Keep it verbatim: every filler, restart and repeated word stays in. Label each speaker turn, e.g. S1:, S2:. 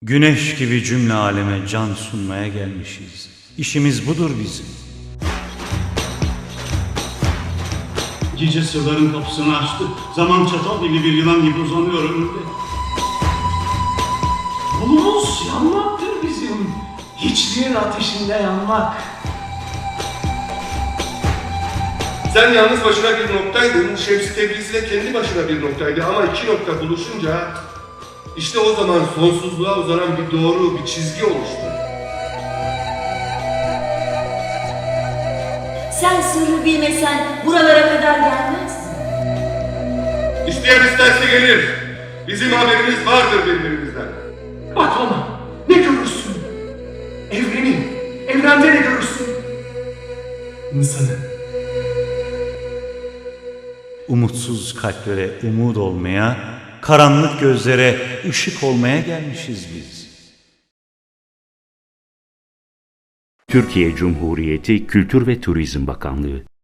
S1: Güneş gibi cümle aleme can sunmaya gelmişiz. İşimiz budur bizim.
S2: Gece sırların kapısını açtı. Zaman çatal gibi bir yılan gibi uzanıyor önümde.
S3: Yolumuz yanmaktır bizim. Hiçliğin ateşinde yanmak.
S4: Sen yalnız başına bir noktaydın, Şems-i Tebrizi de kendi başına bir noktaydı ama iki nokta buluşunca işte o zaman sonsuzluğa uzanan bir doğru, bir çizgi oluştu.
S5: Sen sırrı bilmesen buralara kadar gelmezsin.
S4: İsteyen isterse gelir. Bizim haberimiz vardır birbirimizden.
S3: Bak ona, ne görürsün? Evreni, evrende ne görürsün? İnsanı.
S1: Umutsuz kalplere umut olmaya, karanlık gözlere ışık olmaya gelmişiz biz.
S6: Türkiye Cumhuriyeti Kültür ve Turizm Bakanlığı